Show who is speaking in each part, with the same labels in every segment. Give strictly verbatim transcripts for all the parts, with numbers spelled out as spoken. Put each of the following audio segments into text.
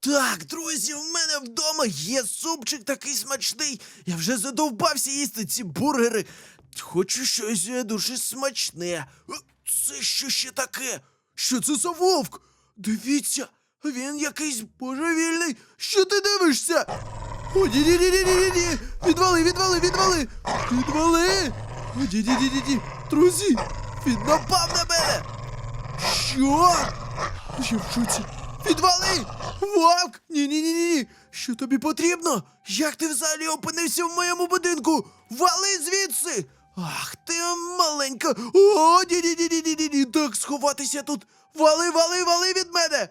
Speaker 1: Так, друзі, в мене вдома є супчик такий смачний. Я вже задовбався їсти ці бургери. Хочу щось е, дуже смачне. Е, Це що ще таке? Що це за вовк? Дивіться, він якийсь божевільний. Що ти дивишся? О, ні-ні-ні-ні-ні-ні! Відвали, відвали, відвали! Відвали! О, ні-ні-ні-ні-ні! Друзі, він напав на мене! Що? Я в шоці. Відвали! Вовк! Ні-ні-ні-ні! Що тобі потрібно? Як ти взагалі опинився в моєму будинку? Вали звідси! Ах ти маленька! О, ні-ні-ні-ні-ні-ні! Так, сховатися тут! Вали, вали, вали від мене!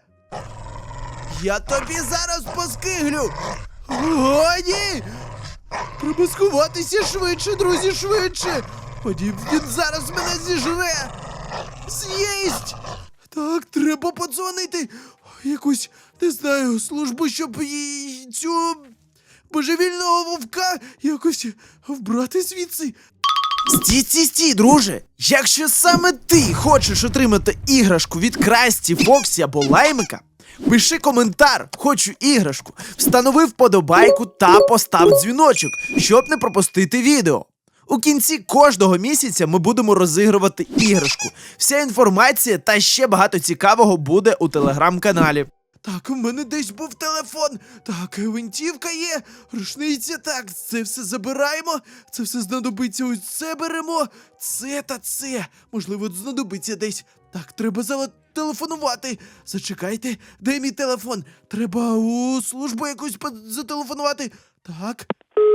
Speaker 1: Я тобі зараз поскиглю! О, ні! Треба сховатися швидше, друзі, швидше! О, ні, він зараз мене зіжре! З'їсть! Так, треба подзвонити якусь, не знаю, службу, щоб їй цю божевільного вовка якось вбрати звідси. Стій, стій, стій, друже! Якщо саме ти хочеш отримати іграшку від Красті, Фоксі або Лаймика, пиши коментар «Хочу іграшку», встанови вподобайку та постав дзвіночок, щоб не пропустити відео. У кінці кожного місяця ми будемо розігрувати іграшку. Вся інформація та ще багато цікавого буде у телеграм-каналі. Так, у мене десь був телефон. Так, гвинтівка є, рушниця, так, це все забираємо. Це все знадобиться, ось це беремо. Це та це, можливо, знадобиться десь. Так, треба зателефонувати. Зачекайте, де мій телефон? Треба у службу якусь зателефонувати. Так.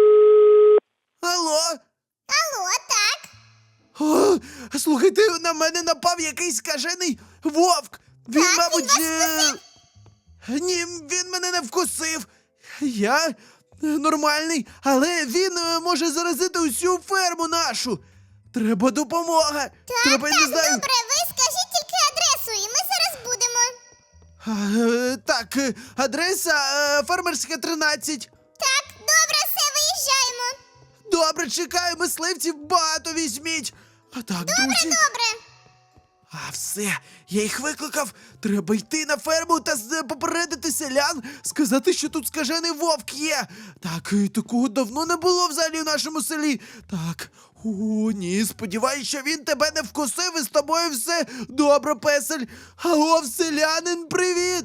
Speaker 1: Алло?
Speaker 2: Алло, так?
Speaker 1: О, слухайте, на мене напав якийсь скажений вовк. Він,
Speaker 2: Так,
Speaker 1: мабуть,
Speaker 2: він вас
Speaker 1: е... ні, він мене не вкусив. Я е, нормальний, але він е, може заразити усю ферму нашу. Треба допомога.
Speaker 2: Так,
Speaker 1: Треба, я
Speaker 2: так,
Speaker 1: не знаю.
Speaker 2: добре, ви скажіть тільки адресу, і ми зараз будемо.
Speaker 1: А, е, так, е, адреса е, фермерська тринадцять.
Speaker 2: Так, добре, все, виїжджаємо.
Speaker 1: Добре, чекаю, мисливців багато візьміть. А так, друзі.
Speaker 2: Добре.
Speaker 1: А все, я їх викликав. Треба йти на ферму та з- попередити селян, сказати, що тут скажений вовк є. Так, і такого давно не було взагалі в нашому селі. Так, о, ні, сподіваюсь, що він тебе не вкусив і з тобою все добре, песель. Алло, селянин, привіт!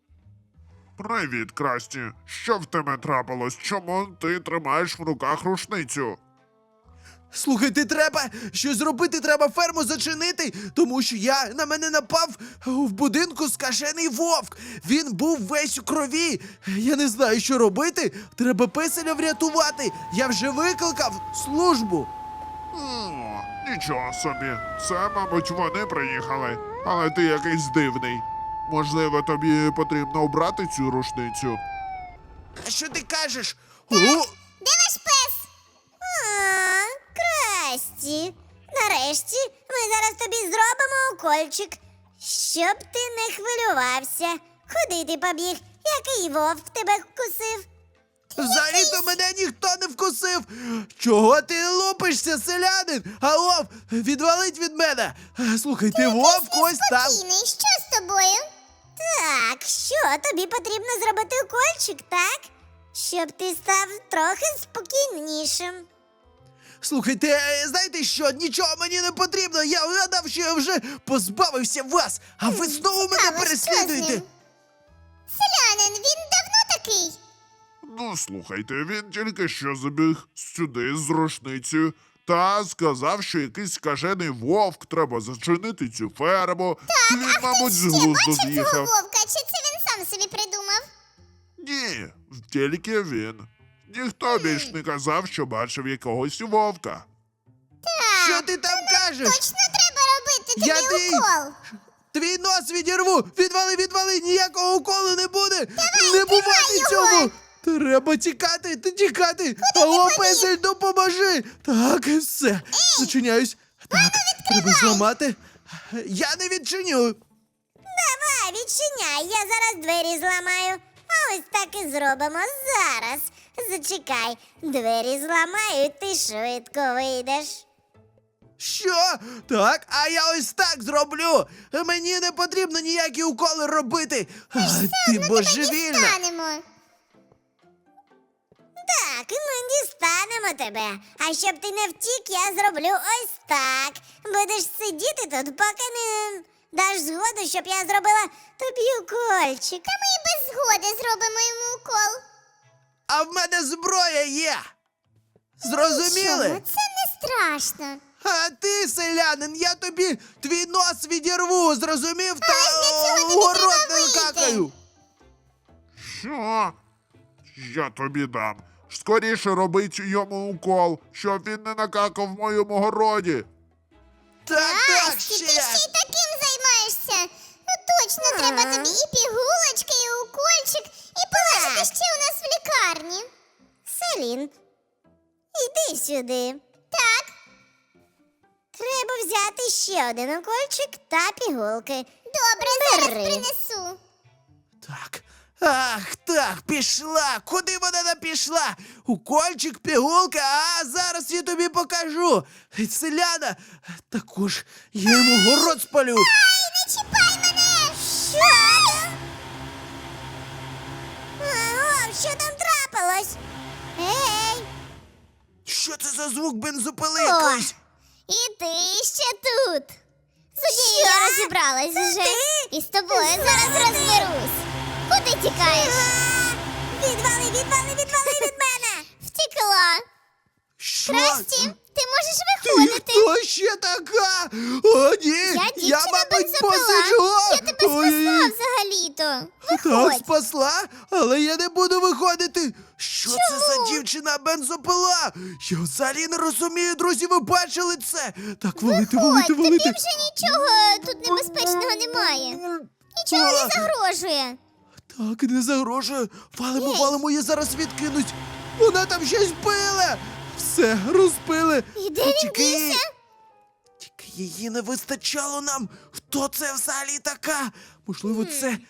Speaker 3: Привіт, Красті. Що в тебе трапилось? Чому ти тримаєш в руках рушницю?
Speaker 1: Слухайте, треба щось зробити, треба ферму зачинити, тому що я на мене напав в будинку скажений вовк. Він був весь у крові. Я не знаю, що робити. Треба песеля врятувати. Я вже викликав службу.
Speaker 3: О, нічого собі. Це, мабуть, вони приїхали. Але ти якийсь дивний. Можливо, тобі потрібно обрати цю рушницю?
Speaker 1: А що ти кажеш? О,
Speaker 2: Де ваш пес? А, Красті. Нарешті ми зараз тобі зробимо укольчик, щоб ти не хвилювався. Куди ти побіг? Який вовк тебе вкусив?
Speaker 1: взагалі-то мене ніхто не вкусив. Чого ти лупишся, селянин? Алло, відвалить від мене. Слухайте, вовк ось там.
Speaker 2: Спокійний, що з тобою? Так, що тобі потрібно зробити укольчик, так? Щоб ти став трохи спокійнішим.
Speaker 1: Слухайте, е, знаєте що, нічого мені не потрібно, я вгадав, що я вже позбавився вас, а ви знову мене
Speaker 2: Цікаво, що з
Speaker 1: переслідуєте.
Speaker 2: ним? Селянин, він давно такий?
Speaker 3: Ну, слухайте, він тільки що забіг сюди з рушницею та сказав, що якийсь скажений вовк, треба зачинити цю ферму. Він, мабуть, з
Speaker 2: Ще
Speaker 3: глузду
Speaker 2: бачив цього
Speaker 3: з'їхав.
Speaker 2: вовка, чи це він сам собі придумав?
Speaker 3: Ні, тільки він. Ніхто більш не казав, що бачив якогось вовка.
Speaker 1: Що ти там кажеш?
Speaker 2: Точно треба робити тобі
Speaker 1: Я твій-
Speaker 2: укол.
Speaker 1: Твій нос відірву! Відвали, відвали! Ніякого уколу не буде!
Speaker 2: Давай,
Speaker 1: не бувати
Speaker 2: тримай його!
Speaker 1: цьому! Треба тікати, ти тікати! Алло, песель, допоможи! Так, все, зачиняюсь. Так, треба зламати. Я не відчиню.
Speaker 2: Давай, відчиняй, я зараз двері зламаю. А ось так і зробимо зараз. Зачекай, двері зламаю, і ти швидко вийдеш.
Speaker 1: Що? Так, а я ось так зроблю. Мені не потрібно ніякі уколи робити. А, ти божевільна.
Speaker 2: Станемо. Так, ми дістанемо тебе. А щоб ти не втік, я зроблю ось так. Будеш сидіти тут, поки не даш згоду, щоб я зробила тобі укольчик. Та ми і без згоди зробимо йому укол.
Speaker 1: А в мене зброя є. Зрозуміли?
Speaker 2: Нічого, це не страшно.
Speaker 1: А ти, селянин, я тобі твій нос відірву, зрозумів? Та
Speaker 2: для цього
Speaker 1: в
Speaker 2: тобі
Speaker 1: город
Speaker 2: треба
Speaker 1: не
Speaker 2: вийти.
Speaker 1: какаю.
Speaker 3: Що? Я тобі дам. Скоріше робить йому укол, щоб він не накакав в моєму городі.
Speaker 1: Так, так,
Speaker 2: Асті,
Speaker 1: ще.
Speaker 2: ти ще й таким займаєшся. Ну точно, треба тобі і пігулочки, і укольчик, і полежати ще у нас в лікарні. Селін, іди сюди. Так. Треба взяти ще один укольчик та пігулки. Добре, зараз принесу.
Speaker 1: Так. Ах, так, пішла. Куди вона не пішла? Укольчик, пігулка, а зараз я тобі покажу. Селяна, також я йому город спалю.
Speaker 2: Не чіпай мене! Що? О, що там трапилось? Ей!
Speaker 1: Що це за звук бензопили
Speaker 2: О,
Speaker 1: якийсь?
Speaker 2: І ти ще тут. З однією я розібралась вже. І з тобою зараз розберусь. Куди тікаєш? Відвали, відвали, відвали від мене! Втекла.
Speaker 1: Що?
Speaker 2: Красті, ти можеш
Speaker 1: Ти
Speaker 2: виходити.
Speaker 1: хто ще така? О, ні,
Speaker 2: Я дівчина
Speaker 1: мабуть,
Speaker 2: бензопила.
Speaker 1: посиджу.
Speaker 2: Я тебе спасла
Speaker 1: Ой-ой-ой.
Speaker 2: взагалі-то.
Speaker 1: Так,
Speaker 2: Виходь.
Speaker 1: спасла, але я не буду виходити. Що це за
Speaker 2: Чому?
Speaker 1: дівчина бензопила? Я взагалі не розумію, друзі, ви бачили це? Так, валити, валити,
Speaker 2: Ходь, тобі
Speaker 1: валити.
Speaker 2: вже нічого тут небезпечного немає. Нічого
Speaker 1: А,
Speaker 2: не загрожує.
Speaker 1: Так, не загрожує. Валимо,
Speaker 2: Ей.
Speaker 1: валимо, я зараз відкинуть. Вона там щось пила. Все, розпили.
Speaker 2: І де він
Speaker 1: Тільки її-
Speaker 2: дівся?
Speaker 1: Тільки її не вистачало нам. Хто це взагалі така? Можливо, це...
Speaker 2: Де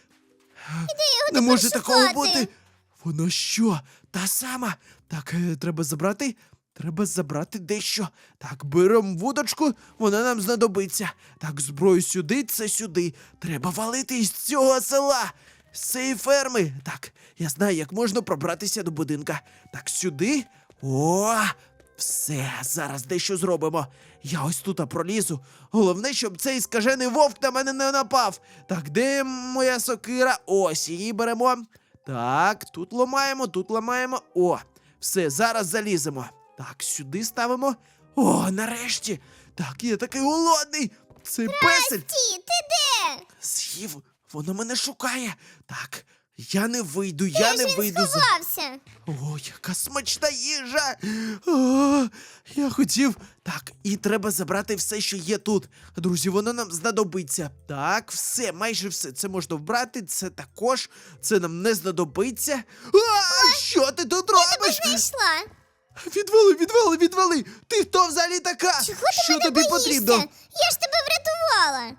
Speaker 2: його
Speaker 1: Не
Speaker 2: тепер
Speaker 1: може такого
Speaker 2: шукати?
Speaker 1: бути. Вона що? Та сама. Так, е, треба забрати. Треба забрати дещо. Так, беремо вудочку, вона нам знадобиться. Так, зброю сюди, це сюди. Треба валити із цього села. З цієї ферми. Так, я знаю, як можна пробратися до будинка. Так, сюди. О! Все, зараз дещо зробимо. Я ось тут пролізу. Головне, щоб цей скажений вовк на мене не напав. Так, де моя сокира? Ось, її беремо. Так, тут ламаємо, тут ламаємо. О, все, зараз заліземо. Так, сюди ставимо. О, нарешті. Так, я такий голодний. Цей песель
Speaker 2: Ті, ти де?
Speaker 1: з'їв. Воно мене шукає. Так, я не вийду, я
Speaker 2: Де
Speaker 1: не
Speaker 2: ж він
Speaker 1: вийду. за-
Speaker 2: сховався?
Speaker 1: О, яка смачна їжа! О, я хотів. Так, і треба забрати все, що є тут. Друзі, воно нам знадобиться. Так, все, майже все. Це можна вбрати, це також. Це нам не знадобиться. А, що ти тут робиш?
Speaker 2: Знайшла.
Speaker 1: Відвали, відвали, відвали! Ти хто взагалі така?
Speaker 2: Чого ти
Speaker 1: що
Speaker 2: мене
Speaker 1: тобі
Speaker 2: боїшся?
Speaker 1: потрібно?
Speaker 2: Я ж тебе врятувала.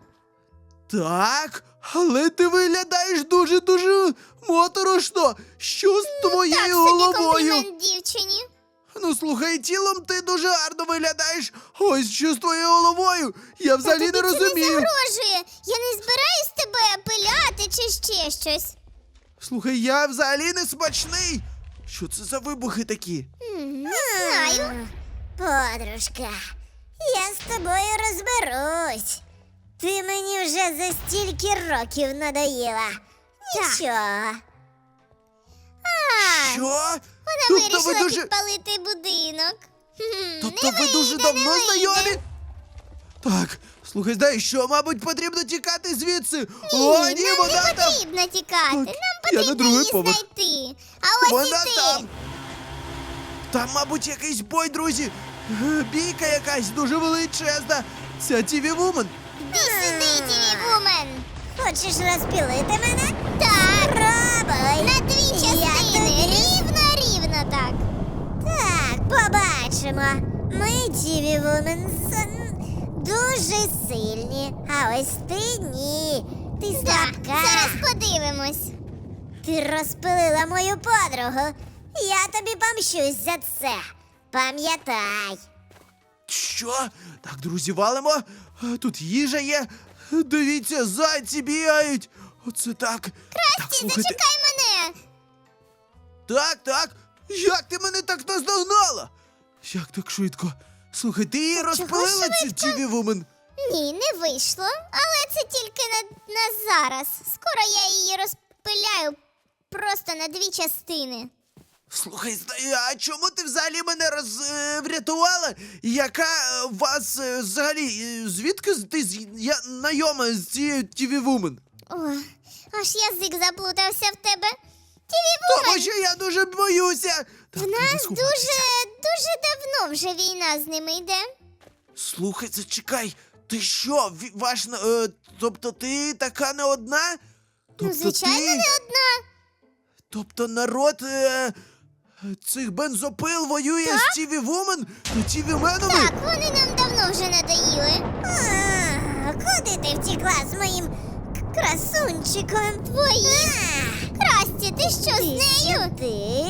Speaker 1: Так, але ти виглядаєш дуже-дуже моторошно. Що з твоєю
Speaker 2: Так собі
Speaker 1: головою?
Speaker 2: комплімент дівчині.
Speaker 1: Ну слухай, тілом ти дуже гарно виглядаєш. Ось що з твоєю головою. Я взагалі
Speaker 2: Тобі
Speaker 1: не
Speaker 2: це не
Speaker 1: розумію.
Speaker 2: загрожує. Я не збираюсь тебе пиляти чи ще щось.
Speaker 1: Слухай, я взагалі не смачний. Що це за вибухи такі?
Speaker 2: Не знаю. Подружка, я з тобою розберусь. Ти мені вже за стільки років надоїла. Нічого. А,
Speaker 1: Що?
Speaker 2: вона
Speaker 1: тобто
Speaker 2: вирішила
Speaker 1: ви дуже.
Speaker 2: підпалити будинок. Хм,
Speaker 1: Тобто
Speaker 2: не
Speaker 1: ви дуже
Speaker 2: вийде,
Speaker 1: давно
Speaker 2: не вийде.
Speaker 1: знайомі? Так, слухай, знаєш що, мабуть, потрібно тікати звідси. О, ні,
Speaker 2: нам
Speaker 1: вона
Speaker 2: не
Speaker 1: там.
Speaker 2: потрібно тікати.
Speaker 1: Так,
Speaker 2: Нам
Speaker 1: я на
Speaker 2: потрібно
Speaker 1: другий
Speaker 2: її
Speaker 1: поверх.
Speaker 2: знайти. А ось і
Speaker 1: Вона
Speaker 2: ти.
Speaker 1: там. Там, мабуть, якийсь бой, друзі. Е, Бійка якась дуже величезна. Ця Тіві Вумен.
Speaker 2: Іди сюди, Тіві Вумен. Хочеш розпілити мене? Так. Пробуй. На дві частини. Рівно-рівно так. Так, побачимо. Ми, Тіві Вумен, з- дуже сильні. А ось ти ні. Ти слабка. Зараз подивимось. Ти розпилила мою подругу. Я тобі помщусь за це. Пам'ятай.
Speaker 1: Що? Так, друзі, валимо. Е, Тут їжа є. Е, Дивіться, зайці бігають. Оце так. Так,
Speaker 2: Ти
Speaker 1: слухайте.
Speaker 2: зачекай мене!
Speaker 1: Так, так. Як ти мене так наздогнала? Як так швидко? Слухай, ти її розпалила цю тіві вумен?
Speaker 2: Ні, не вийшло, але це тільки на, на зараз. Скоро я її розпиляю просто на дві частини.
Speaker 1: Слухай, зна- а чому ти взагалі мене роз, е, врятувала? Яка е, вас е, взагалі, е, звідки з- ти з- я знайома з цією тіві вумен?
Speaker 2: О, аж язик заплутався в тебе.
Speaker 1: Тому
Speaker 2: Тіві-вумен,
Speaker 1: що я дуже боюся. Так,
Speaker 2: в
Speaker 1: треба
Speaker 2: нас
Speaker 1: сховатися.
Speaker 2: дуже, дуже давно вже війна з ними йде.
Speaker 1: Слухай, зачекай, ти що, ві- ваш, на- е, тобто ти така не одна? Тобто
Speaker 2: Ну, звичайно,
Speaker 1: ти,
Speaker 2: не одна.
Speaker 1: Тобто народ е, цих бензопил воює з Тіві Вумен та Тіві Менами?
Speaker 2: Так, вони нам давно вже надоїли. А, куди ти втекла з моїм к- красунчиком? Твоїм? Красті, ти що, з нею? Ти?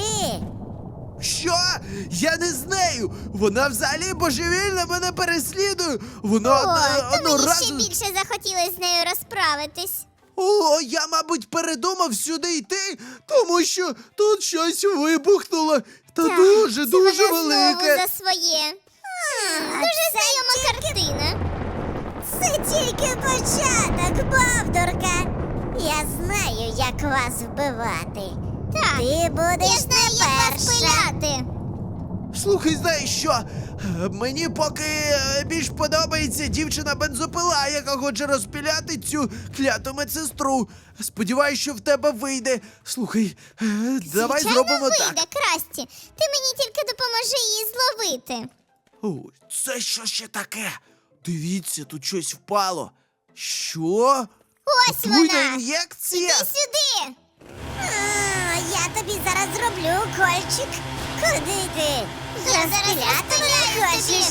Speaker 1: Що? Я не з нею! Вона взагалі божевільно мене переслідує! Вона
Speaker 2: О,
Speaker 1: одна-
Speaker 2: то
Speaker 1: одного
Speaker 2: мені ще
Speaker 1: разу...
Speaker 2: більше захотілося з нею розправитись.
Speaker 1: О, я, мабуть, передумав сюди йти, тому що тут щось вибухнуло. Та
Speaker 2: Так,
Speaker 1: дуже,
Speaker 2: це
Speaker 1: дуже
Speaker 2: вона
Speaker 1: велике.
Speaker 2: знову за своє. М, Дуже знайома картина. Це тільки початок, бавдурка. Я знаю, як вас вбивати. Так, ти будеш я знаю, не як вас пиляти.
Speaker 1: Слухай, знаєш що? Е, Мені поки е, більш подобається дівчина-бензопила, яка хоче розпіляти цю кляту медсестру. Сподіваюсь, що в тебе вийде. Слухай, е, давай
Speaker 2: Звичайно,
Speaker 1: зробимо
Speaker 2: вийде,
Speaker 1: так.
Speaker 2: Красті. Ти мені тільки допоможи її зловити.
Speaker 1: О, це що ще таке? Дивіться, тут щось впало. Що?
Speaker 2: Ось
Speaker 1: Отруйна
Speaker 2: вона.
Speaker 1: ін'єкція?
Speaker 2: Іди сюди. А, я тобі зараз зроблю укольчик. Куди ти? Я зараз розпиляю тобі.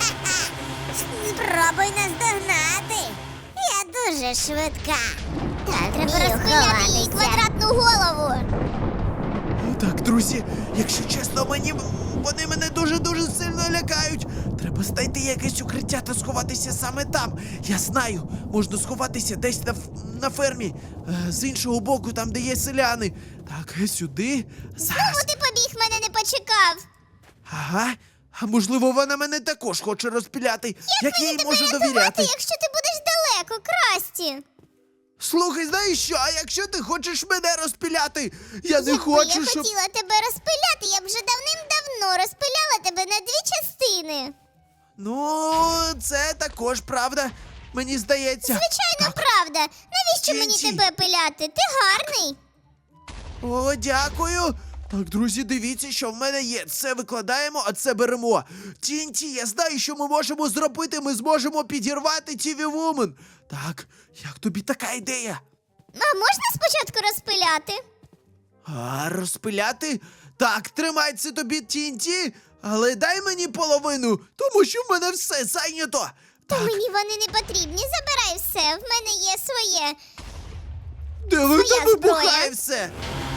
Speaker 2: Спробуй наздогнати. Я дуже швидка. Так, треба розпиляти їй квадратну голову.
Speaker 1: Так, друзі, якщо чесно, мені вони мене дуже-дуже сильно лякають. Треба знайти якесь укриття та сховатися саме там. Я знаю, можна сховатися десь на, ф- на фермі, е, з іншого боку, там, де є селяни. Так, е, сюди.
Speaker 2: Знову
Speaker 1: Зараз.
Speaker 2: ти побіг, мене не почекав.
Speaker 1: Ага. А можливо, вона мене також хоче розпіляти. Як, я їй
Speaker 2: Тебе
Speaker 1: можу
Speaker 2: рятувати,
Speaker 1: довіряти?
Speaker 2: якщо ти будеш далеко, Красті.
Speaker 1: Слухай, знаєш що? А якщо ти хочеш мене розпіляти? Я не
Speaker 2: Якби
Speaker 1: хочу,
Speaker 2: я
Speaker 1: щоб.
Speaker 2: хотіла тебе розпиляти, я б вже давним-давно розпиляла тебе на дві частини.
Speaker 1: Ну, це також правда. Мені здається.
Speaker 2: Звичайно, правда. Навіщо мені
Speaker 1: Тінті.
Speaker 2: тебе пиляти? Ти гарний.
Speaker 1: О, дякую. Так, друзі, дивіться, що в мене є. Це викладаємо, а це беремо. Тінті, я знаю, що ми можемо зробити. Ми зможемо підірвати Тіві Вумен. Так, як тобі така ідея?
Speaker 2: А можна спочатку розпиляти?
Speaker 1: А, розпиляти? Так, тримай це тобі, Тінті, але дай мені половину, тому що в мене все зайнято.
Speaker 2: Та
Speaker 1: Так,
Speaker 2: мені вони не потрібні. Забирай все. В мене є своє.
Speaker 1: де ви
Speaker 2: своя
Speaker 1: там вибухає
Speaker 2: зброя.
Speaker 1: все?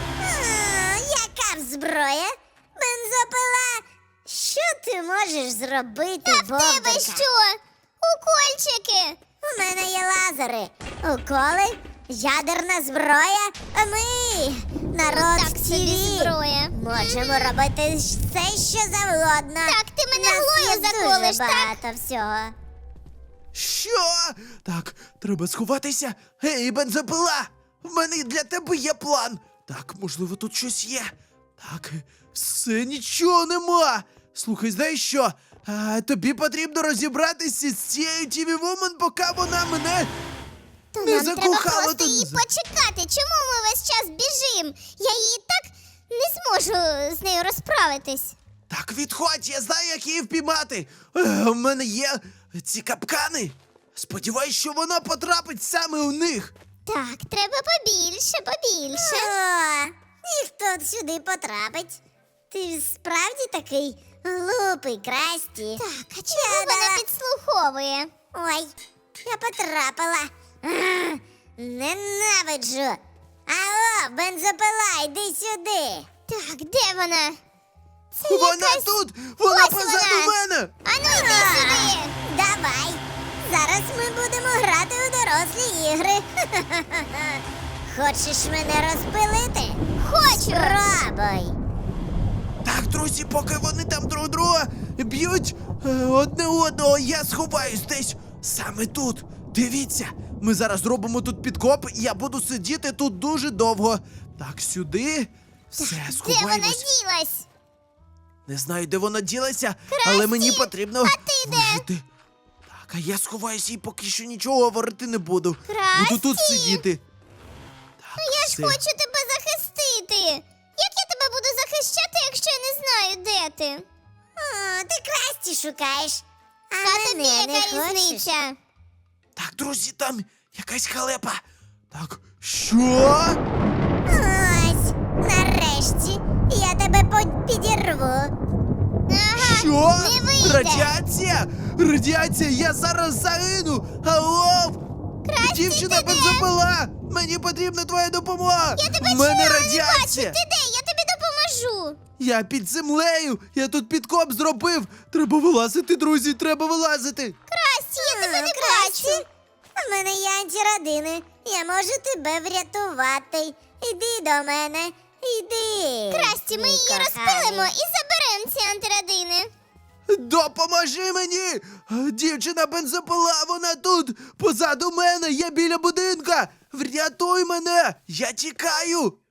Speaker 2: А, яка зброя? Бензопила. Що ти можеш зробити, а в тебе що? Укольчики. У мене є лазери. Уколи, ядерна зброя, а ми, народ
Speaker 4: так
Speaker 2: в
Speaker 4: собі
Speaker 2: тілі,
Speaker 4: зброя.
Speaker 2: можемо робити все, що завгодно.
Speaker 4: Так, ти мене
Speaker 2: Нас
Speaker 4: глою
Speaker 2: є
Speaker 4: заколиш,
Speaker 2: дуже
Speaker 4: так?
Speaker 2: багато всього.
Speaker 1: Що? Так, треба сховатися. Гей, бензопила! В мене для тебе є план. Так, можливо, тут щось є. Так, все нічого нема. Слухай, знаєш що? А, тобі потрібно розібратися з цією Тіві Вумен, поки вона мене
Speaker 2: То
Speaker 1: не
Speaker 2: нам треба
Speaker 1: закохала
Speaker 2: просто
Speaker 1: тут.
Speaker 2: її почекати. Чому ми весь час біжим? Я її так не зможу з нею розправитись.
Speaker 1: Так, відходь, я знаю, як її впіймати. Е, У мене є ці капкани. Сподіваюсь, що вона потрапить саме у них.
Speaker 2: Так, треба побільше, побільше. О, ніхто сюди потрапить. Ти справді такий глупий, Красті. Так, а чому вона підслуховує? Ой, я потрапила. А, ненавиджу. Алло, бензопила, йди сюди. Так, де вона? Це
Speaker 1: Вона
Speaker 2: якась-
Speaker 1: тут! Вона
Speaker 2: Ось
Speaker 1: позаду
Speaker 2: вона!
Speaker 1: мене!
Speaker 2: Ану, йди сюди! Давай! Зараз ми будемо грати у дорослі ігри. Хочеш мене розпилити? Хочу! Спробуй!
Speaker 1: Так, друзі, поки вони там друг друга б'ють е, одне одного, я сховаюсь десь саме тут. Дивіться, ми зараз робимо тут підкоп, і я буду сидіти тут дуже довго. Так, сюди. Все,
Speaker 2: Де вона
Speaker 1: сховаємось.
Speaker 2: ділась?
Speaker 1: Не знаю, де вона ділася, але мені потрібно
Speaker 2: а ти де?
Speaker 1: вижити. Так, а я сховаюся і поки що нічого говорити не буду.
Speaker 2: Красті!
Speaker 1: Буду тут сидіти. Так,
Speaker 2: Я ж
Speaker 1: все.
Speaker 2: хочу тебе захистити. Як я тебе буду захищати, якщо я не знаю, де ти? О, ти Красті шукаєш. А,
Speaker 4: А тобі
Speaker 2: мене не
Speaker 4: яка
Speaker 2: хочеш?
Speaker 4: різниця?
Speaker 1: Так, друзі, там якась халепа. Так, що?
Speaker 2: Ось, нарешті, я тебе по- підірву.
Speaker 4: Ага,
Speaker 1: Що?
Speaker 4: не вийде.
Speaker 1: Радіація? Радіація, я зараз загину! Алло! Дівчина бензопила! Мені потрібна твоя допомога!
Speaker 4: Я тебе
Speaker 1: У мене
Speaker 4: чую,
Speaker 1: радіація!
Speaker 4: Ти де? Я тобі допоможу.
Speaker 1: Я під землею! Я тут підкоп зробив! Треба вилазити, друзі, треба вилазити!
Speaker 4: Красті, я тебе не
Speaker 2: Красті,
Speaker 4: бачу.
Speaker 2: у мене є антирадини. Я можу тебе врятувати. Іди до мене, іди.
Speaker 4: Красті, ми
Speaker 2: мій
Speaker 4: її
Speaker 2: коханий.
Speaker 4: розпилимо і заберемо ці антирадини.
Speaker 1: Допоможи мені! Дівчина бензопила, вона тут! Позаду мене, я біля будинка! Врятуй мене! Я тікаю!